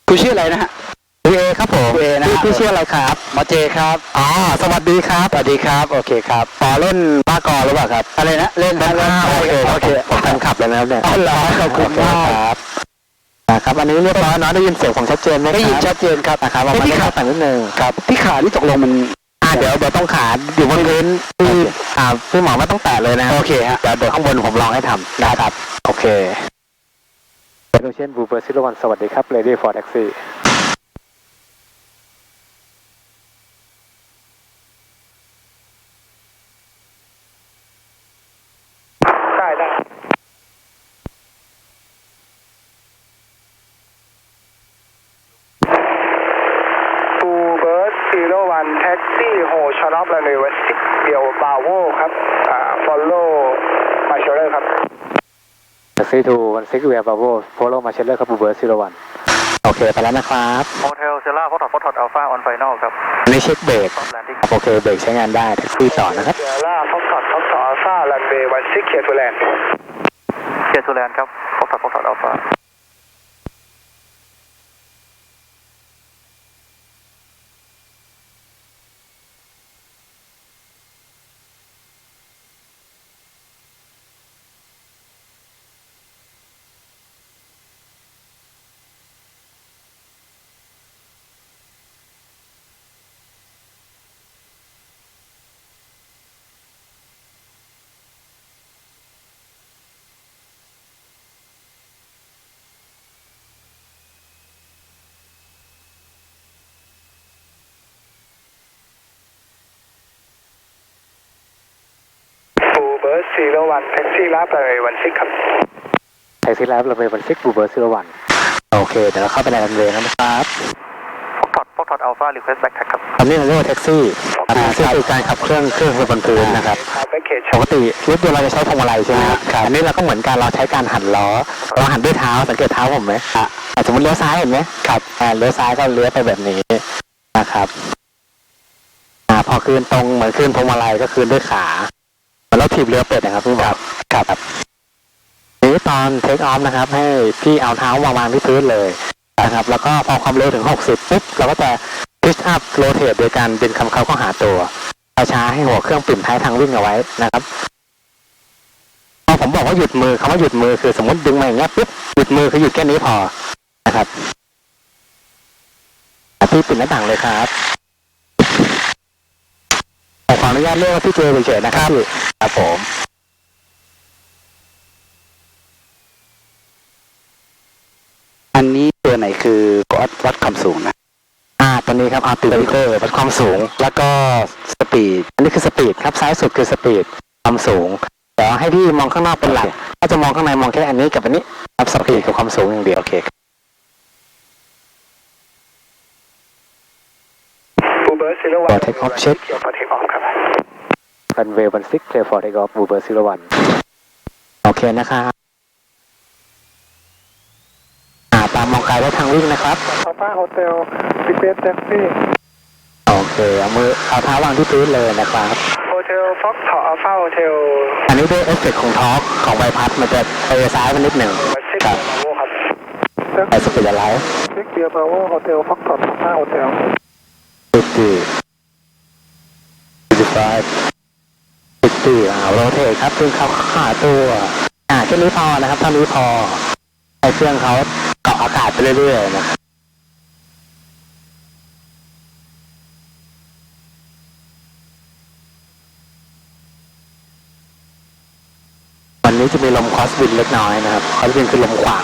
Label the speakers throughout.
Speaker 1: คุณชื่ออะไรนะฮะ
Speaker 2: คุณเอครับผม
Speaker 1: คุณเอนะ
Speaker 2: พี่ชื่ออะไรครับ
Speaker 1: หมอเจครับ
Speaker 2: อ๋อสวัสดีครับ
Speaker 1: สวัสดีครับโอเคครับ
Speaker 2: ต่อเล่นบ้ากอหรือเปล่าครับ
Speaker 1: อะไรนะเล่นนะเล่น
Speaker 2: โอเค
Speaker 1: โอเค
Speaker 2: ผมแฟนคลับเลยนะครับเนี่ย
Speaker 1: อ๋อเหรอขอบคุณมาก
Speaker 2: ครับนะครับอันนี้เรียบร้อยเนาะได้ยินเสียงผมชัดเจนไหมครับ
Speaker 1: ได้ยินชัดเจนครับ
Speaker 2: นะครับว่ามัน
Speaker 1: ที่
Speaker 2: ไม่
Speaker 1: ขา
Speaker 2: ขาดแต่งนิดนึง
Speaker 1: ครับที่ขานี่ตกลงมัน
Speaker 2: เดี๋ยวต้องขาอยู่บนพื้นที่พี่หมอไม่ต้องแตะเลยนะ
Speaker 1: โอเคฮะ
Speaker 2: เดี๋ยวข้างบนผมลองให้ทำนะครับโอเคโอเชียนบูเบอร์ซิโลวันสวัสดีครับเลดี้ฟอร์ดแท็กซี่
Speaker 1: ได้บูเบิร์ด01แท็กซี่โฮชานอฟและในเวสติกเดียวบาโวครับฟอลโล่มาเชอร์ครับ
Speaker 2: แท็กซี่ทูวันซิกเวียบาโวโฟโลมาเชลเลอร์ครับบูเบอร์ซิโลวันโอเคไปแล้วนะครับ
Speaker 3: โฮเทลเซล่าฟอร์ดอัลฟาออนไฟนอลครับ
Speaker 2: อันนี้เช็คเบรก
Speaker 3: ซอฟต์แลนดิ้ง
Speaker 2: โอเคเบรกใช้งานได้แท็กซี่ต่อนะครับ
Speaker 1: เซล่าฟ็อกซ์อัลฟาลันเวย์16เคียร์ทูแลนด์
Speaker 3: เกียร์ทูแลนด์ครับฟอร์ดอัลฟา
Speaker 1: บูเบิร์ด01แท็กซี่รับเลย16ครับ
Speaker 2: แท็กซี่แล้วเราไปวันซิกบูเบอร์ซิโลวันโอเคเดี๋ยวเราเข้าไปในรันเวย์นะครับ
Speaker 3: ฟอร์ดอัลฟารีเควสแบ็กแท็กครับ
Speaker 2: ตอนนี้เราเรียกว่าแท็กซี่ซึ่งคือการขับเครื่องบนพื้นนะครับ
Speaker 1: แพ็กเกจ
Speaker 2: ปกติรถยนต์เราจะใช้พวงมาลัยใช่ไหมครับอันนี้เราก็เหมือนกันเราใช้การหันล้อเราหันด้วยเท้าสังเกตเท้าผมไหมสมมติเลี้ยวซ้ายเห็นไหมครับเลี้ยวซ้ายก็เลี้ยวไปแบบนี้นะครับพอคืนตรงเหมือนคืนพวงมาลัยก็คืนด้วยขาเหมือนเราถีบเรือเป็ดนะครับพี่บอกครับนี้ตอนเทคออฟนะครับให้พี่เอาเท้าวางที่พื้นเลยนะครับแล้วก็พอความเร็วถึง60ปุ๊บเราก็จะพิชอัพโรเทตโดยการดึงคำเข้าหาตัวช้าให้หัวเครื่องปิ่มท้ายทางวิ่งเอาไว้นะครับพอผมบอกว่าหยุดมือคำว่าหยุดมือคือสมมติดึงมาอย่างเงี้ยปุ๊บหยุดมือคือหยุดแค่นี้พอนะครับพี่ปิดหน้าต่างเลยครับขออนุญาตเรียกว่าพี่เจเฉยๆนะครับครับผม
Speaker 1: อันนี้ตัวไหนคือวัดความสูงนะ
Speaker 2: ตัวนี้ครับอัลติมิเตอร์วัดความสูงแล้วก็สปีดอันนี้คือสปีดครับซ้ายสุดคือสปีดความสูงเดี๋ยวให้พี่มองข้างนอกเป็นหลักถ้าจะมองข้างในมองแค่อันนี้กับอันนี้ครับสปีดกับความสูงอย่างเดียวโอเค
Speaker 1: บูเบิร์ด01
Speaker 2: พอเทคออฟเช็ค
Speaker 1: พอเทคออฟครับ
Speaker 2: รันเวย์16เคลียร์ฟอร์เทคออฟบูเบอร์01โอเคนะครับตามมองไกลไว้ทางวิ่งนะครับ
Speaker 1: อัลฟาโฮเทลรีเควสแท็กซี่
Speaker 2: โอเคเอาเท้าวางที่พื้นเลยนะครับ
Speaker 1: โฮเทลฟ็อกซ์อัลฟาโฮเทล
Speaker 2: อันนี้ด้วยเอฟเฟกต์ของทอร์กของใบพัดมันจะไปซ้ายมันนิดหนึ่ง
Speaker 1: 16
Speaker 2: ครับ
Speaker 1: บาโวครับ
Speaker 2: ไปสปีดอะไร
Speaker 1: 16เกียร์บาโวโฮเทลฟ็อกซ์อัลฟาโฮเทล
Speaker 2: 50 โรเทตครับดึงเขาขาตัวแค่นี้พอนะครับเท่านี้พอให้เครื่องเขาเกาะอากาศไปเรื่อยๆนะครับวันนี้จะมีลมคอสวินเล็กน้อยนะครับคอสวินคือลมขวาง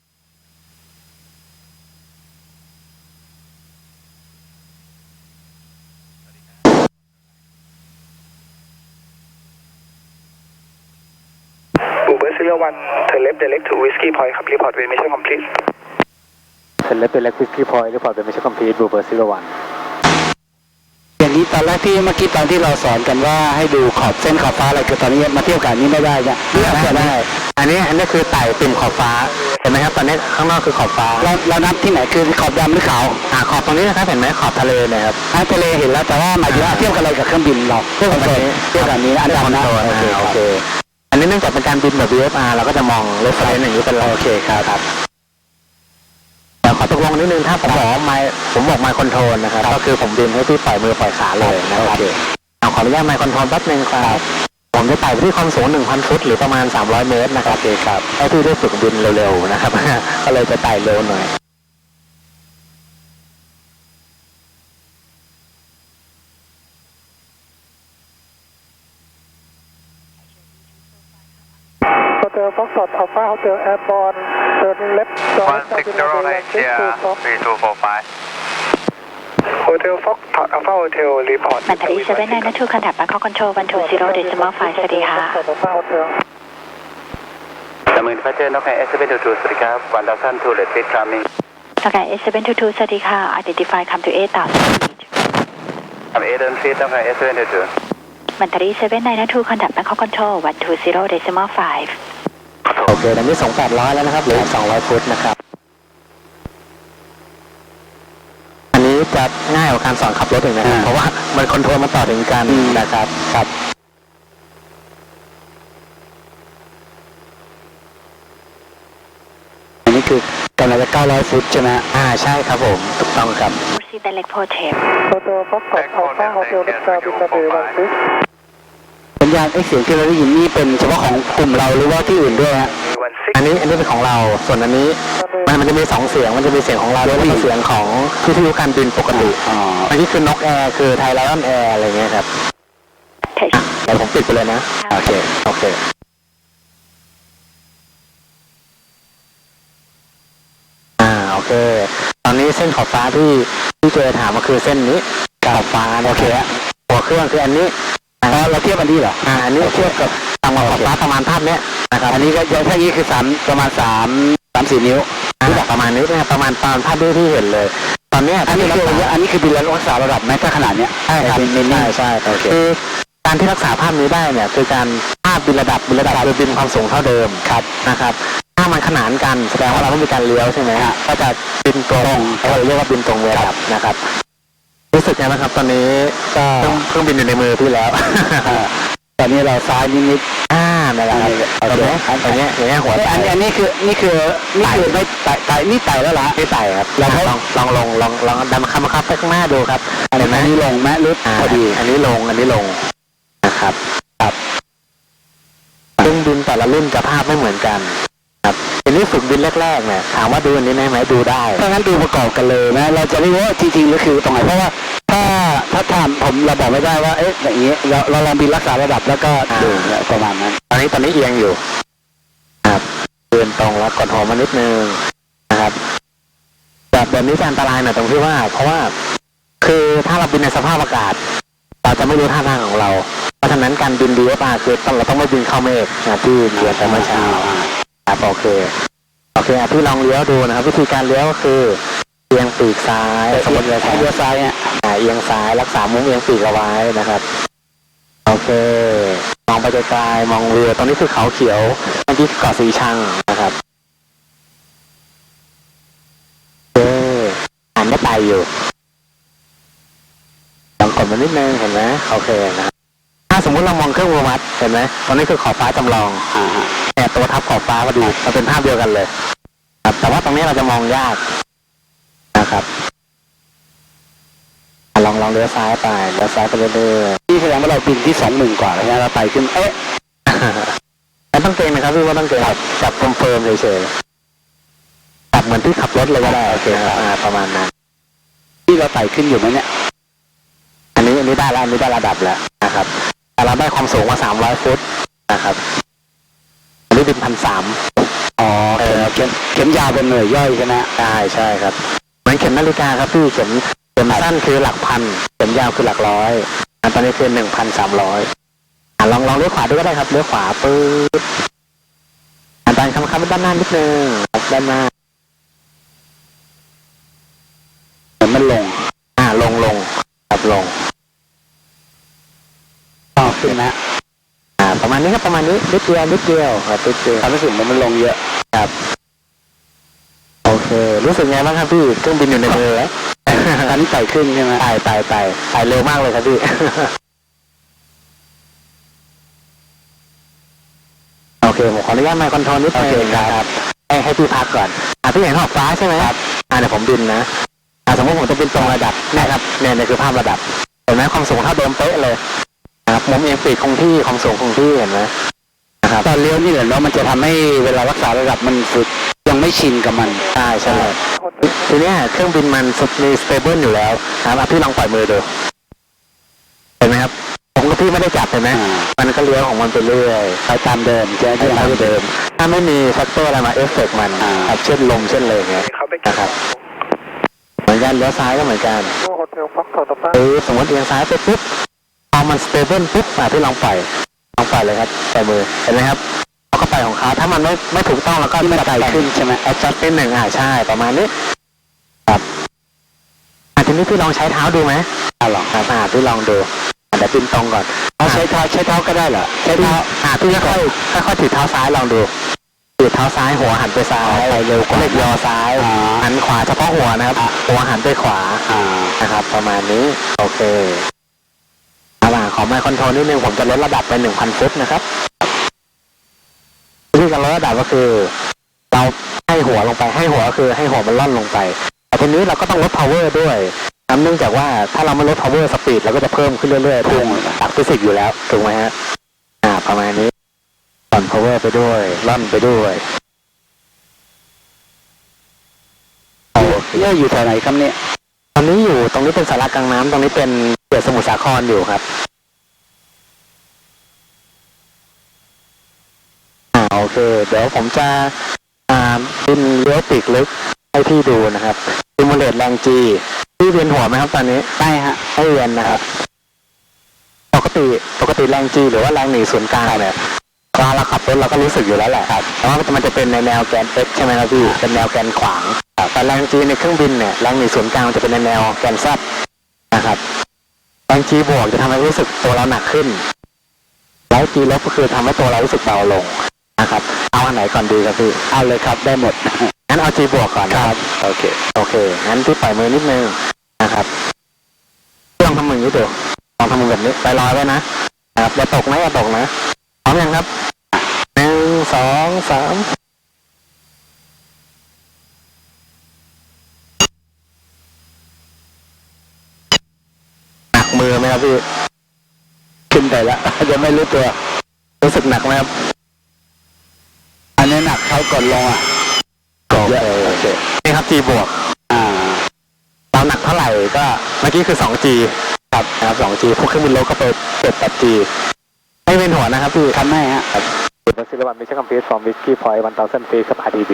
Speaker 1: บูเบิร์ด01 turn left direct to whiskey point ครับ report when mission complete
Speaker 2: เสร็จแล้วเป็นเล็กวิสกี้พอยต์หรือเปล่าเป็นไม่ใช่คอมพิวต์บูเบอร์01
Speaker 1: อย่างนี้ตอนแรกที่เมื่อกี้ตอนที่เราสอนกันว่าให้ดูขอบเส้นขอบฟ้าอะไรคือตอนนี้มาเที่ยวกันนี้ไม่ได้เนี่ยเลือกจะได้
Speaker 2: อันนี้คือไต่ติ่มขอบฟ้าเห็นไหมครับตอนนี้ข้างนอกคือขอบฟ้า
Speaker 1: เรานับที่ไหนคือขอบดำหรือขาว
Speaker 2: ขอบตรงนี้นะครับเห็นไหมขอบทะเลนะครับ
Speaker 1: ทะเลเห็นแล้วแต่ว่าหมายถึงว่าเที่ยวกันอะไรกับเครื่องบินเราเที่ยวกันนี้อันดำนะ
Speaker 2: โอเคอันนี้เนื่องจากเป็นการบินแบบ VFR เราก็จะมองเรฟเฟรนซ์อย่างนี้เป็นโอเคครับแล้วขอตกลงนิดนึงถ้าผมบอกไมค์คอนโทรลนะครับก็คือผมบินให้พี่ปล่อยมือปล่อยขาเลยนะครับขออนุญาตไมค์คอนโทรลแป๊บนึงครับผมจะไต่ไปที่ความสูง 1,000 ฟุตหรือประมาณ300 เมตรนะครับโอเคครับให้พี่ได้ฝึกบินเร็วๆนะครับ ก็เลยจะไต่เร็วหน่อย
Speaker 1: Hotel Foxtrot Alpha Hotel Airborne turn left 160 Foxtrot Alpha Hotel report
Speaker 4: มันทรีเซเว่นไนน์ทูคอนแทคแบงคอกคอนโทรล120.5 สวัสดีค่ะ
Speaker 1: Alpha Hotel
Speaker 3: แต่มือพัชเจอร์นกแอร์722สวัสดีครับ1,002 เลดฟิตคามิง
Speaker 4: โอเค S722 สวัสดีค่ะ Identify come to 8,000 feet
Speaker 3: ทำเอเดินฟิตนกแอร์722
Speaker 4: มันทรีเซเว่นไนน์ทูคอนแทคแบงคอกคอนโทรล120.5
Speaker 2: โอเคตอนนี้ส่ง800แล้วนะครับเหลืออีก200 ฟุตนะครับ อันนี้จะง่ายกว่าการสอนขับรถอีกนะครับเพราะว่ามันคอนโทรลมาต่อถึงกันนะครับครับอันนี้คือกำลังจะ900 ฟุตใช่ไหมใช่ครับผมถูกต้องครับ
Speaker 4: Proceed direct Hotel
Speaker 1: Hotel Foxtrot Alpha Hotel Delta Delta Bay 16
Speaker 2: สัญญาณเสียงที่เราได้ยินนี่เป็นเฉพาะของกลุ่มเราหรือว่าที่อื่นด้วยฮะอันนี้เป็นของเราส่วนอันนี้มันจะมี2เสียงมันจะมีเสียงของเราแล้วก็เสียงของวิทยุการบินปกติอันนี้คือนกแอร์คือไทยไลออนแอร์อะไรเงี้ยครับ
Speaker 4: Touch
Speaker 2: เดี๋ยวผมปิดไปเลยนะโอเคโอเคตอนนี้เส้นขอบฟ้าที่เจอถามก็คือเส้นนี้ขอบฟ้าโอเคหัวเครื่องคืออันนี้เราเทียบอันนี้เหรออันนี้เทียบกับต่างขอบฟ้าประมาณภาพเนี้ยนะครับอันนี้ก็อย่างที่นี้คือประมาณ3-4 นิ้วประมาณนี้นะครับประมาณตอนภาพที่เห็นเลยตอนนี้อันนี้คือบินแล้วรักษาระดับแม้ถ้าขนาดเนี้ยใช่ครับใช่คือการที่รักษาภาพนี้ได้เนี่ยคือการภาพบินระดับโดยบินความสูงเท่าเดิมครับนะครับถ้ามันขนานกันแสดงว่าเราต้องมีการเลี้ยวใช่ไหมฮะก็จะบินตรงเราเรียกว่าบินตรงระดับนะครับรู้สึกไงบ้างครับตอนนี้ก็เครื่องบินอยู่ในมือพี่แล้ว ตอนนี้เราซ้ายนิดนั่นแหละครับโอเคอย่างเงี้ยหัวอันนี้คือไม่ไต่นี่ไต่แล้วล่ะไม่ไต่ครับลองดันมาคับไปข้างหน้าดูครับอันนี้ลงแม่ลึกพอดีอันนี้ลงนะครับเครื่องบินแต่ละรุ่นจะภาพไม่เหมือนกันครับอันนี้ฝึกบินแรกๆเนี่ยถามว่าดูอันนี้ไหมดูได้ถ้างั้นดูประกอบกันเลยนะเราจะไม่รู้ว่าจริงๆหรือคือตรงไหนเพราะว่าถ้าถามผมเราบอกไม่ได้ว่าอย่างนี้เราลองบินรักษาระดับแล้วก็ดูประมาณนั้นตอนนี้เอียงอยู่ครับเดินตรงแล้วกดหัวมานิดนึงนะครับแบบนี้จะอันตรายหน่อยตรงที่ว่าเพราะว่าคือถ้าเราบินในสภาพอากาศเราจะไม่รู้ท่าทางของเราเพราะฉะนั้นการบิน DFR คือเราต้องไม่บินเข้าเมฆนะที่เรียนไปเมื่อเช้าครับโอเคพี่ลองเลี้ยวดูนะครับวิธีการเลี้ยวก็คือเอียงปีกซ้ายสมมติเลี้ยวซ้ายเนี่ยเอียงซ้ายรักษามุมเอียงปีกเอาไว้นะครับโอเคมองไปไกลๆมองเรือตรงนี้คือเขาเขียวอันนี้เกาะสีชังนะครับอ่านได้ไปอยู่ลองกดมานิดนึงเห็นไหมโอเคนะถ้าสมมุติเรามองเครื่องวัดเห็นไหมตอนนี้คือขอบฟ้าจำลองเนี่ยตัวทับขอบฟ้าพอดีมันเป็นภาพเดียวกันเลยครับแต่ว่าตรงนี้เราจะมองยากนะครับลองเลี้ยวซ้ายไปเรื่อยๆที่แสดงว่าเราบินที่20,000 กว่าแล้วเราไปขึ้นแล้วต้องเกรงนะครับพี่ว่าต้องเกรงจับคอนเฟิร์มเฉยๆจับเหมือนที่ขับรถเลยก็ได้โอเคประมาณนั้นที่เราไต่ขึ้นอยู่ไหมเนี่ยอันนี้ได้แล้วอันนี้ได้ระดับแล้วนะครับแต่เราได้ความสูงมา300 ฟุตนะครับอันนี้บิน1,300เข็มยาวเป็นหน่วยย่อยใช่ไหมใช่ครับเหมือนเข็มนาฬิกาครับพี่เข็มสั้นคือหลักพันเข็มยาวคือหลักร้อยตอนนี้คือ1,300ลองเลี้ยวขวาด้วยก็ได้ครับเลี้ยวขวาปื๊ดดันคำด้านหน้านิดนึงด้านหน้ามันลงลงครับลงต่อขึ้นนะประมาณนี้ครับประมาณนี้นิดเดียวครับนิดเดียวความรู้สึกมันลงเยอะครับโอเครู้สึกไงบ้างครับพี่เครื่องบินอยู่ในมือแล้วอันนี้ไต่ขึ้นใช่ไหมไต่เร็วมากเลยครับพี่โอเคผมขออนุญาตไมค์คอนโทรลนิดนึงครับให้พี่พักก่อนพี่เห็นขอบฟ้าใช่ไหมครับเดี๋ยวผมบินนะสมมติผมจะบินตรงระดับนะครับเนี่ยคือภาพระดับเห็นไหมความสูงเท่าเดิมเป๊ะเลยนะครับมุมเอียงปีกคงที่ความสูงคงที่เห็นไหมนะครับตอนเลี้ยวนี่แหละเนาะมันจะทำให้เวลารักษาระดับมันฝึกยังไม่ชินกับมันใช่ทีเนี้ยเครื่องบินมันมีสเตเบิลอยู่แล้วนะครับพี่ลองปล่อยมือดูเห็นไหมครับผมกับพี่ไม่ได้จับเห็นไหมมันก็เลี้ยวของมันไปเรื่อยไปตามเดิมใช่ที่เราเดิมถ้าไม่มีแฟกเตอร์อะไรมาเอฟเฟกต์มันเช่นลมเช่นเลยเงี้ยนะครับเหมือนกันเลี้ยวซ้ายก็เหมือนกันสมมติเอียงซ้ายไปปุ๊บพอมันสเตเบิลปุ๊บพี่ลองปล่อยเลยครับปล่อยมือเห็นไหมครับเขาก็ไปของเขาถ้ามันไม่ถูกต้องแล้วก็ไม่ไกลขึ้นใช่ไหมแอดจัสเป็นหนึ่งใช่ประมาณนี้ครับทีนี้พี่ลองใช้เท้าดูไหมลองพี่ลองดูเดี๋ยวบินตรงก่อนใช้เท้าก็ได้เหรอใช้เท้าพี่ค่อยถือเท้าซ้ายลองดูถือเท้าซ้ายหัวหันไปซ้ายเร็วกว่าเล็กยอซ้ายหันขวาเฉพาะหัวนะครับหัวหันไปขวานะครับประมาณนี้โอเคขอไมค์คอนโทรลนิดนึงผมจะลดระดับไป 1,000 ฟุตนะครับวิธีการลดระดับก็คือเราให้หัวลงไปให้หัวคือให้หัวมันล่อนลงไปแต่ทีนี้เราก็ต้องลด power ด้วยเนื่องจากว่าถ้าเราไม่ลด power speed เราก็จะเพิ่มขึ้นเรื่อยๆจากฟิสิกส์อยู่แล้วถูกไหมฮะประมาณนี้ล่อน power ไปด้วยล่อนไปด้วยเนี่ยอยู่แถวไหนครับเนี่ยตอนนี้อยู่ตรงนี้เป็นสาระกลางน้ำตรงนี้เป็นเขื่อนสมุทรสาครอยู่ครับโอเคเดี๋ยวผมจะบินเลี้ยวปีกลึกให้พี่ดูนะครับซิมูเลตแรงจีพี่เวียนหัวไหมครับตอนนี้ใช่ฮะให้เวียนนะครับปกติแรงจีหรือว่าแรงหนีศูนย์กลางเนี่ยเวลาเราขับรถเราก็รู้สึกอยู่แล้วแหละครับแต่ว่ามันจะเป็นในแนวแกน x ใช่ไหมครับพี่เป็นแนวแกนขวางแต่แรงจีในเครื่องบินเนี่ยแรงหนีศูนย์กลางจะเป็นในแนวแกน z นะครับแรงจีบวกจะทำให้รู้สึกตัวเราหนักขึ้นแล้วจีลบก็คือทำให้ตัวเรารู้สึกเบาลงนะครับเอาอันไหนก่อนดีครับพี่เอาเลยครับได้หมดงั้นเอาจีบวกก่อนนะครับโอเคงั้นพี่ปล่อยมือนิดนึงนะครับลองทำมือนี้ดูลองทำมือแบบนี้ไปลอยไว้นะครับอย่าตกนะพร้อมยังครับ1 2 3หนักมือไหมครับพี่ขึ้นไปแล้วยังไม่รู้ตัวรู้สึกหนักไหมครับอันนี้หนักเท่าก่อนลงก็เยอะนี่ครับ G บวกเราหนักเท่าไหร่ก็เมื่อกี้คือ 2G ครับนะครับ 2G พวกเครื่องบินโลก็ไปเปิด 8G ไม่เป็นหัวนะครับพี่คันไม่ฮะเป็นซิลวันมิชชั่นคอมพลีทฟอร์มวิสกี้พอยต์1000 feet ครับ RDB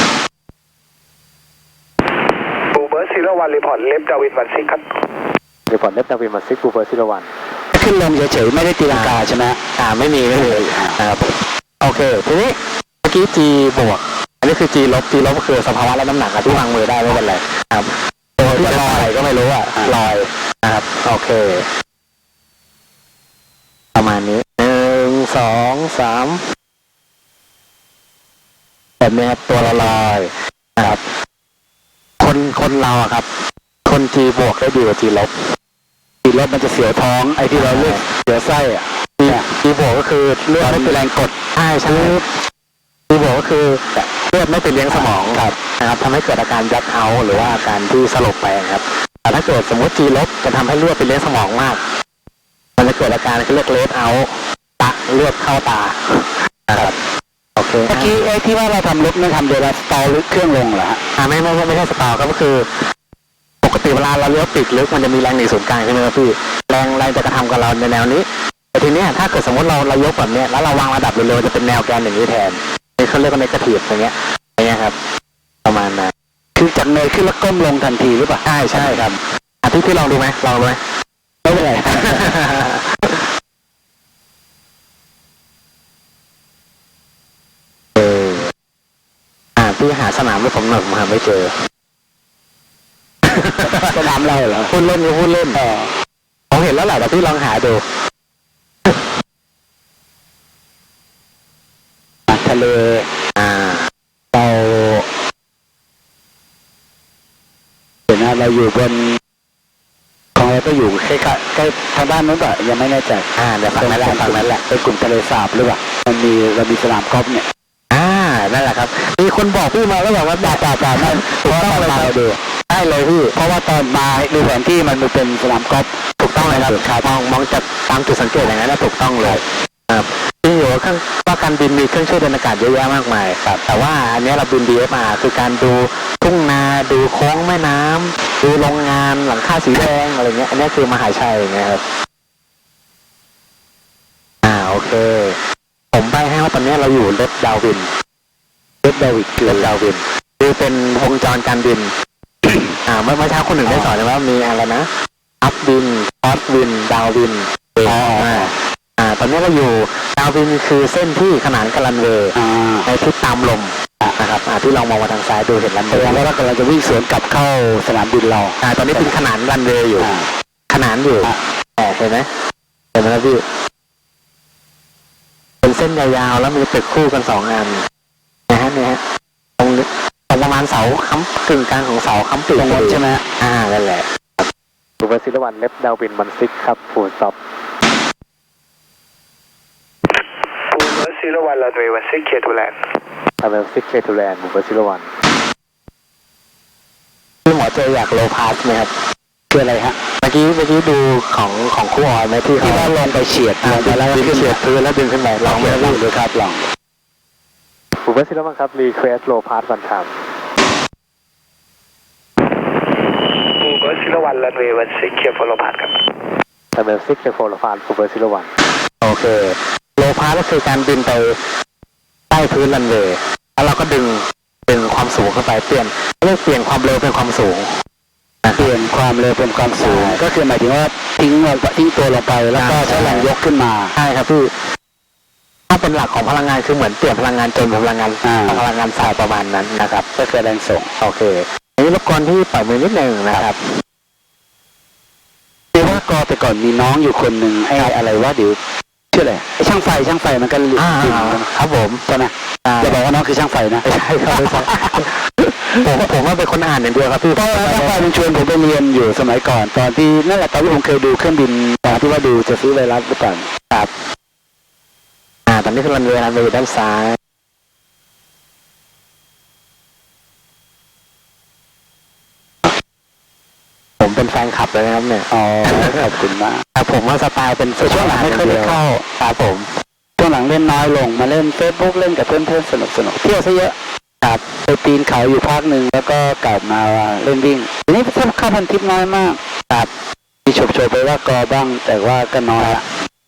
Speaker 1: บูเบิร์ต01รีพอร์ตเลฟดาวิน16ครับ
Speaker 2: รีพอร์ตเลฟดาวิน16บูเบอร์01ขึ้นลงเฉยๆไม่ได้ตีลังกาใช่ไหมไม่มีนะครับโอเคทีนี้เมื่อกี้ G บวกอันนี้คือ G ลบก็คือสภาวะและน้ำหนักที่วางมือได้ไม่เป็นไรครับตัวที่จะลอยก็ไม่รู้ลอยนะครับโอเคประมาณนี้1 2 3แบบนี้ตัวละลอยนะครับคนเราครับคน G บวกได้ดีกว่า G ลบมันจะเสียวท้องไอ้ที่เราเรียกเสียวไส้G บวกก็คือเลือดไม่เป็นแรงกดใช่G บวกก็คือเลือดไม่ไปเลี้ยงสมองนะครับทำให้เกิดอาการยักเอาหรือว่าอาการที่สลบไปครับแต่ถ้าเกิดสมมติ G ลบจะทำให้เลือดไปเลี้ยงสมองมากมันจะเกิดอาการที่เรียกเลดเอาเลือดเข้าตานะครับโอเคเมื่อกี้ที่ว่าเราทำลบนี่ทำโดยเราสตอลเครื่องลงเหรอฮะไม่ใช่สตอลครับก็คือปกติเวลาเราเลี้ยวปีกลึกมันจะมีแรงหนีศูนย์กลางใช่ไหมครับพี่แรงจะกระทำกับเราในแนวนี้แต่ทีนี้ถ้าเกิดสมมติเรายกแบบนี้แล้วเราวางระดับเร็วๆจะเป็นแนวแกนอย่างนี้แทนนี่เขาเรียกว่าเนกาทีฟอย่างเงี้ยครับประมาณนั้นคือจากเนยขึ้นแล้วก้มลงทันทีหรือเปล่าใช่ครับพี่ลองดูไหมไม่เป็นไรพี่หาสนามให้ผมหน่อยผมหาไม่เจอสนามอะไรเหรอพูดเล่นผมเห็นแล้วแหละแต่พี่ลองหาดูทะเลเราเห็นนะเราอยู่บนของเราก็อยู่ใกล้ทางด้านนู้นก็ยังไม่แน่ใจเดี๋ยวฝั่งนั้นแหละเป็นกลุ่มทะเลสาบหรือเปล่าเรามีสนามกอล์ฟเนี่ยนั่นแหละครับมีคนบอกพี่มาแล้วบอกว่าจ่านั่นถูกต้องเลยครับได้เลยพี่เพราะว่าตอนมาดูแผนที่มันเป็นสนามกอล์ฟถูกต้องเลยครับมองจากตามจุดสังเกตอย่างนั้นถูกต้องเลยครับจริงอยู่ว่าการบินมีเครื่องช่วยเดินอากาศเยอะแยะมากมายครับแต่ว่าอันนี้เราบิน DFR คือการดูทุ่งนาดูโค้งแม่น้ำดูโรงงานหลังคาสีแดงอะไรเงี้ยอันนี้คือมหาชัยอย่างเงี้ยครับโอเคผมไปให้ว่าตอนนี้เราอยู่เลดดาววินคือเป็นวงจรการบิน เมื่อเช้าคนหนึ่งได้สอนว่ามีอะไรนะอัพวินคอสวินดาววินตอนนี้เราอยู่ดาววินคือเส้นที่ขนานกับรันเวย์ในทิศตามลมนะครับที่ลองมองมาทางซ้ายดูเห็นรันเวย์แล้วเรากำลังจะวิ่งสวนกลับเข้าสนามบินเราตอนนี้เป็นขนานรันเวย์อยู่ขนานอยู่เห็นไหมครับพี่เป็นเส้นยาวๆแล้วมีตึกคู่กัน2 อันนะฮะเนี่ยตรงประมาณเสาค้ำกึ่งกลางของเสาค้ำปีกใช่ไหมนั่นแหละบูเบอร์ซิลวันเล็บดาวบินมันซิกครับฟูลสต็อป
Speaker 1: บูเบอร์ซิลวันรันเวย์16เคทูแลนด์
Speaker 2: ซิกเคทูแลนด์บูเบอร์ซิลวันพี่หมอเจออยากโลพาสไหมครับคืออะไรฮะเมื่อกี้ดูของคู่ออยไหมที่เขาลงไปเฉียดแล้วขึ้นเฉียดพื้นแล้วดึงขึ้นไปลองไหมครับดูครับลองบูเบอร์ซิลวันครับรีเควสโลพาสวันทาม
Speaker 1: บูเบอร์ซิลวันรันเวย์16เคฟอลโลพาสครับ
Speaker 2: ซิกเคฟอลโลพาสบูเบอร์ซิลวันโอเคโลพาสก็คือการบินไปใต้พื้นรันเวย์แล้วเราก็ดึงความสูงเข้าไปเปลี่ยนความเร็วเป็นความสูงเปลี่ยนความเร็วเป็นความสูงก็คือหมายถึงว่าทิ้งตัวลงไปแล้วก็ใช้แรงยกขึ้นมาใช่ครับพี่ถ้าเป็นหลักของพลังงานคือเหมือนเปลี่ยนพลังงานจนเป็นพลังงานสายประมาณนั้นนะครับก็คือแรงส่งโอเคอันนี้รบกวนที่ปล่อยมือนิดนึงนะครับคือว่ากอแต่ก่อนมีน้องอยู่คนหนึ่งไอ้อะไรว่าเดี๋ยวชื่ออะไรไอ้ช่างไฟมันก็ครับผมใช่ไหมจะบอกว่าน้องคือช่างไฟนะใช่ครับผมว่าเป็นคนอ่านอย่างเดียวครับพี่เพราะช่างไฟมันชวนผมไปเรียนอยู่สมัยก่อนตอนที่นั่นแหละตอนที่ผมเคยดูเครื่องบินตอนที่ว่าดูจะซื้อไวรัสหรือเปล่าครับตอนนี้คือรันเวย์ด้านซ้ายผมเป็นแฟนคลับเลยนะครับเนี่ยขอบคุณมากแต่ผมว่าสไตล์เป็นช่วงหลังไม่ค่อยได้เข้าครับผมช่วงหลังเล่นน้อยลงมาเล่นเฟซบุ๊กเล่นกับเพื่อนๆสนุกเที่ยวซะเยอะครับไปปีนเขาอยู่พักหนึ่งแล้วก็กลับมาเล่นวิ่งทีนี้เข้าพันทิปน้อยมากครับมีโฉบไปว่ากอบ้างแต่ว่าก็น้อยละ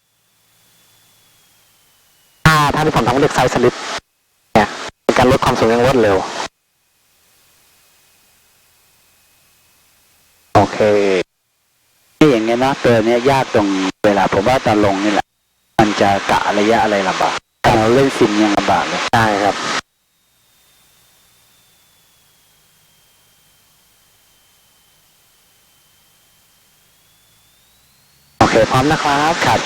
Speaker 2: ถ้าที่ผมทำเรียกไซส์สลิปเนี่ยเป็นการลดความสูงอย่างรวดเร็วโอเคนี่อย่างเงี้ยนะตัวเนี้ยยากตรงเวลาผมว่าตอนลงนี่แหละมันจะกะระยะอะไรลำบากเราเล่นซิมยังลำบากเลยใช่ครับโอเคพร้อมนะครับครับ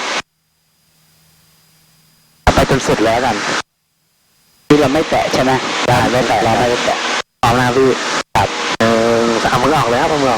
Speaker 2: ไปจนสุดแล้วกันที่เราไม่แตะใช่ไหมได้ไม่แตะเราไม่แตะพร้อมนะพี่ครับเอามือออกเลยครับเอามือออก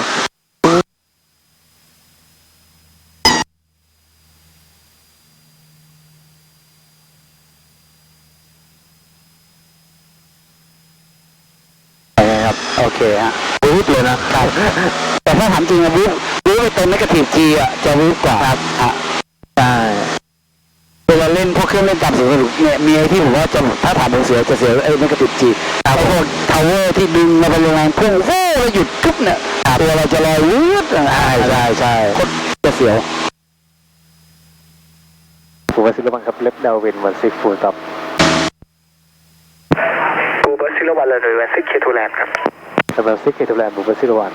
Speaker 2: โอเคฮะวูบเลยนะครับแต่ถ้าถามจริงนะวูบไปเป็นนักทีฟจีอ่ะจะวูบกว่าครับใช่เวลาเล่นพวกเครื่องเล่นต่ำสูงเนี่ยมีไอ้ที่ผมว่าจะถ้าถามผมเสียไอ้นักทีฟจีแต่พวกทาวเวอร์ที่ดึงมาเป็นแรงพุ่งโอ้แล้วหยุดทุบเนี่ยตัวเราจะลอยวูบใช่โคตรจะเสียวผมว่าซิลบังครับเล็บดาววินวันซิกฟูลต็อป
Speaker 1: บูเบอร์ซิลวันรันเวย์16เคทูแลนด์ครับ
Speaker 2: ซิกเคทูแลนด์บูเบอร์ซิลวัน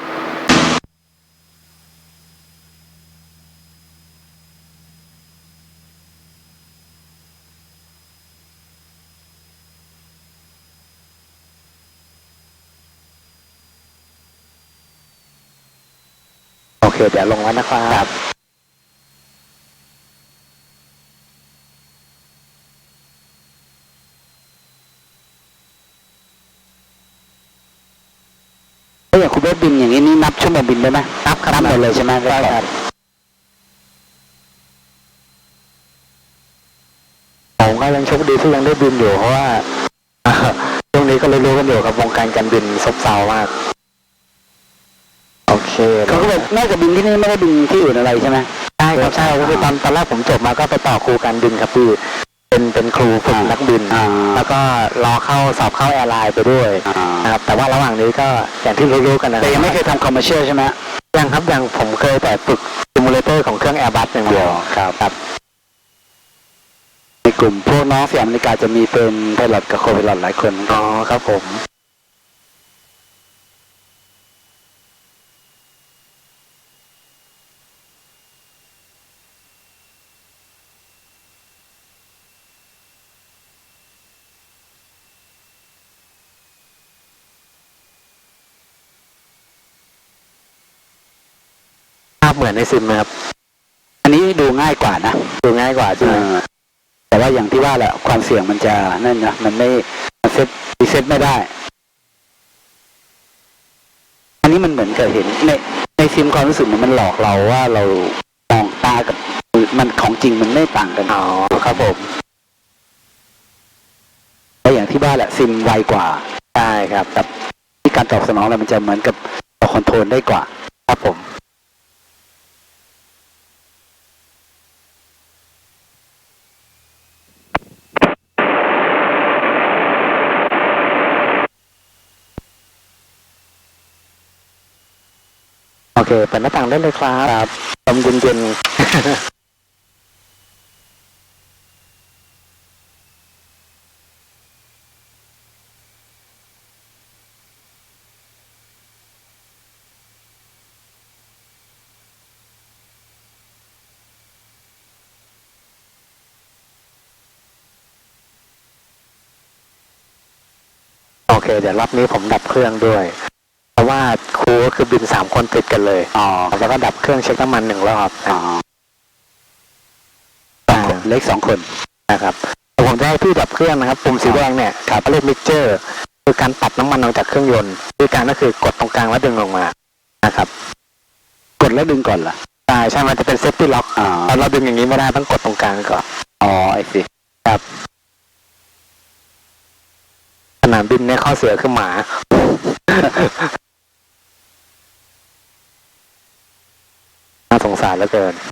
Speaker 2: โอเคเดี๋ยวลงแล้วนะครับถ้าอย่างคุณเบสบินอย่างนี้นี่นับชั่วโมงบินได้ไหมนับหมดเลยใช่ไหมได้ครับผมก็ยังโชคดีที่ยังได้บินอยู่เพราะว่าวงนี้ก็รู้ๆกันอยู่ครับวงการการบินซบเซามากโอเค
Speaker 5: เขาก็แบบนอกจากบินที่นี่ไม่ได้บินที่อื่นอะไรใช่ไหม
Speaker 2: ใช่ครับใช่ก็คือตอนแรกผมจบมาก็ไปต่อครูการบินครับพี่เป็นครูฝึกนักบิน แล้วก็รอเข้าสอบเข้าแอร์ไลน์ไปด้วยนะครับแต่ว่าระหว่างนี้ก็อย่างที่รู้ๆกันนะ
Speaker 5: แต่ยังไม่เคยทำคอมเมอร์เชียลใช่ไหม
Speaker 2: ยังครับยังผมเคยแต่ฝึกซิมูเลเตอร์ของเครื่องแอร์บัสอย่างเดียวครับ
Speaker 5: ในกลุ่มพวกน้องสยามนาฬิกาจะมีเป็นไพลอตกับโคไพลอตหลายคน
Speaker 2: อ๋อครับผมภาพเหมือนในซิมไหมครับ
Speaker 5: อันนี้ดูง่ายกว่านะ
Speaker 2: ดูง่ายกว่าใช่ไหม
Speaker 5: แต่ว่าอย่างที่ว่าแหละความเสี่ยงมันจะนั่นนะมันไม่มันรีเซ็ตไม่ได้ อันนี้มันเหมือนกับเห็นในซิมความรู้สึกมันหลอกเราว่าเรามองตากับมันของจริงมันไม่ต่างกัน
Speaker 2: อ๋อครับผม
Speaker 5: แต่อย่างที่ว่าแหละซิมไวกว่า
Speaker 2: ใช่ครับ
Speaker 5: กับที่การตอบสนองอะไรมันจะเหมือนกับเราคอนโทรลได้กว่า
Speaker 2: ครับผมโอเคเปิดหน้าต่างได้เลยครับลมเย็นๆโอเคเดี๋ยวรอบนี้ผมดับเครื่องด้วยเพราะว่าครูก็คือบิน3 คนติดกันเลย
Speaker 5: อ๋อ
Speaker 2: แล้วก็ดับเครื่องเช็คน้ำมัน1 รอบ
Speaker 5: อ๋อเล็ก2 คน
Speaker 2: นะครับผมจะให้พี่ดับเครื่องนะครับปุ่มสีแดงเนี่ยครับเรียกมิกเจอร์คือการปัดน้ำมันออกจากเครื่องยนต์วิธีการก็คือกดตรงกลางแล้วดึงลงมานะครับ
Speaker 5: กดแล้วดึงก่อนเหรอ
Speaker 2: ใช่มันจะเป็นเซฟตี้ล็อกเราดึงอย่างนี้ไม่ได้ต้องกดตรงกลางก่อน
Speaker 5: อ๋อไอ้สิ
Speaker 2: ครับสนามบินเนี่ยข้อเสียคือหมา น่าสงสารเหลือเกิน